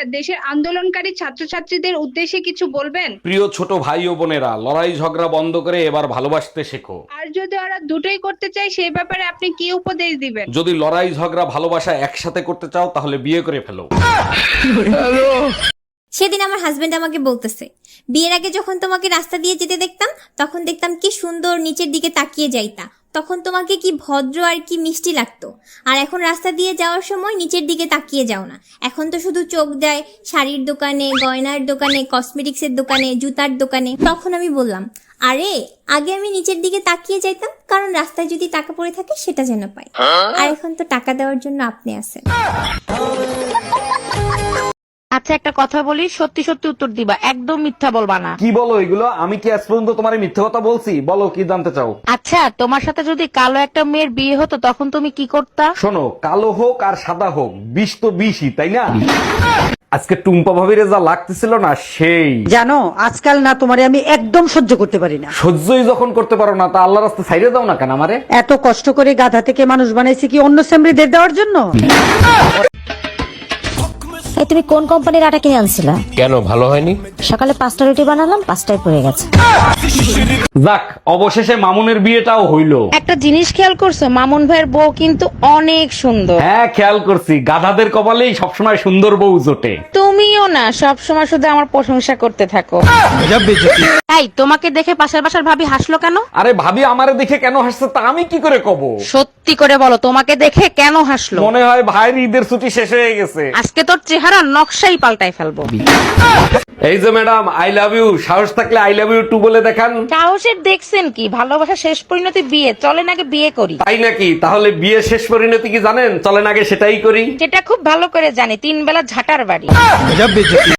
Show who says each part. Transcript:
Speaker 1: Sir, দেশের আন্দোলনকারী ছাত্রছাত্রীদের উদ্দেশ্যে কিছু বলবেন?
Speaker 2: প্রিয় ছোট ভাই ও বোনেরা, লড়াই ঝগড়া বন্ধ করে এবার ভালোবাসতে শেখো।
Speaker 1: আর যদি ওরা দুটোই করতে চায় সেই ব্যাপারে আপনি কি উপদেশ দিবেন?
Speaker 2: যদি লড়াই ঝগড়া ভালোবাসা একসাথে করতে চাও তাহলে বিয়ে করে ফেলো।
Speaker 3: সেদিন আমার হাজবেন্ড আমাকে বলতেছে, বিয়ের আগে যখন তোমাকে রাস্তা দিয়ে যেতে দেখতাম তখন দেখতাম কি সুন্দর নিচের দিকে তাকিয়ে যাইতা, তখন তোমাকে কি ভদ্র আর কি মিষ্টি লাগতো। আর এখন রাস্তা দিয়ে যাওয়ার সময় নিচের দিকে তাকিয়ে যাও না, এখন তো শুধু চোখ দেয় শাড়ির দোকানে, গয়নার দোকানে, কসমেটিক্সের দোকানে, জুতার দোকানে। তখন আমি বললাম, আরে আগে আমি নিচের দিকে তাকিয়ে যাইতাম কারণ রাস্তায় যদি টাকা পড়ে থাকে সেটা যেন পাই, আর এখন তো টাকা দেওয়ার জন্য আপনি আছেন।
Speaker 4: আচ্ছা একটা কথা বলি, সত্যি সত্যি উত্তর দিবা, একদম মিথ্যা বলবা না।
Speaker 2: কি বলো এগুলো? আমি কি আজ পর্যন্ত তোমার মিথ্যে কথা বলছি? বলো কি জানতে চাও।
Speaker 4: আচ্ছা তোমার সাথে যদি কালো একটা মেয়ের বিয়ে হতো তখন তুমি কি করতা?
Speaker 2: শোনো, কালো হোক আর সাদা হোক, বিষ তো বিষই, তাই না? আজকে টুম্পা ভাবিরে যা লাগতেছিল না, সেই
Speaker 5: জানো আজকাল না তোমারে আমি একদম সহ্য করতে পারি না।
Speaker 2: সহ্যই যখন করতে পারো না, তা আল্লাহ রাস্তা ছাইড়ে দাও না কেন আমারে?
Speaker 5: এত কষ্ট করে গাধা থেকে মানুষ বানাইছে কি অন্য সেমরিদের দেওয়ার জন্য?
Speaker 6: এই তুমি কোন কোম্পানির আটা কিনে আনছিলা?
Speaker 7: কেন, ভালো হয়নি?
Speaker 6: সকালে 5টা রুটি বানালাম, 5টায় পড়ে গেছে।
Speaker 2: যাক, অবশেষে মামুনের বিয়েটাও হইলো।
Speaker 4: একটা জিনিস খেয়াল করছো, মামুন ভাইয়ের বউ কিন্তু অনেক সুন্দর।
Speaker 2: হ্যাঁ, খেয়াল করছি, গাধাদের কপালেই সবসময় সুন্দর বউ জোটে।
Speaker 4: তুমিও না সব সময় শুধু আমার প্রশংসা করতে থাকো। এই তোমাকে দেখে পাশের বাসার ভাবি হাসলো কেন?
Speaker 2: আরে ভাবি আমারে দেখে কেন হাসছে তা আমি কি করে কব?
Speaker 4: সত্যি করে বলো, তোমাকে দেখে কেন হাসলো?
Speaker 2: মনে হয় ভাইয়ের ঈদের ছুটি শেষ হয়ে গেছে।
Speaker 4: আজকে তোর চেহারা নকশাই পাল্টাই ফেলবো।
Speaker 2: এই যে ম্যাডাম, আই লাভ ইউ, সাহস থাকলে আই লাভ ইউ টু বলে দেখান।
Speaker 4: সাহসের দেখছেন কি? ভালোবাসা শেষ পরিণতি বিয়ে, চলেন আগে বিয়ে করি।
Speaker 2: তাই নাকি? তাহলে বিয়ে শেষ পরিণতি কি জানেন? চলেন আগে সেটাই করি।
Speaker 4: সেটা খুব ভালো করে জানি, 3 বেলা ঝাঁটার বাড়ি।